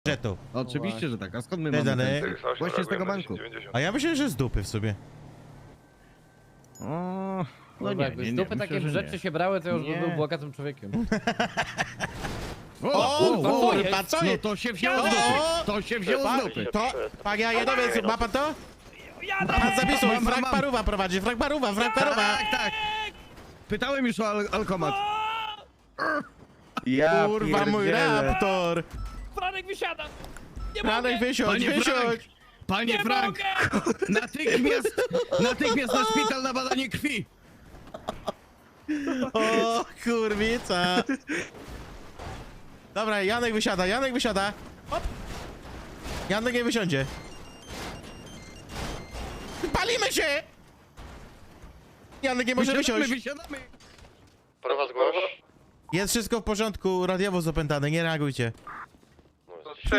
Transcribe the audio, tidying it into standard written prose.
budżetu. Oczywiście, że tak. A skąd my Te mamy dane. ten? Właśnie z tego banku. A ja myślę, że z dupy w sobie. O, no nie, jakby nie, z nie, dupy myślę, takie że rzeczy nie. się brały, to już Nie. by był bogatym człowiekiem. O, kurwa, co No jest? to się wzięło z dupy. To się wzięło z dupy. To, panie Jadowiec, ma pan to? Pan zapisuj, Mam. Frank Paruwa prowadzi, Frank Paruwa. Tak, tak. Pytałem już o alkomat. Ja Kurwa, mój pierdzielę. raptor. Franek wysiada! Nie Franek, wysiądź, Panie Frank! wysiądź. Panie Frank! Natychmiast na szpital na badanie krwi! O, kurwica. Dobra, Janek wysiada. Hop. Janek nie wysiądzie. Palimy się! Janek nie może wysiąść. Wysiadamy! Prowadź głoś. Jest wszystko w porządku, radiowo opętane, nie reagujcie.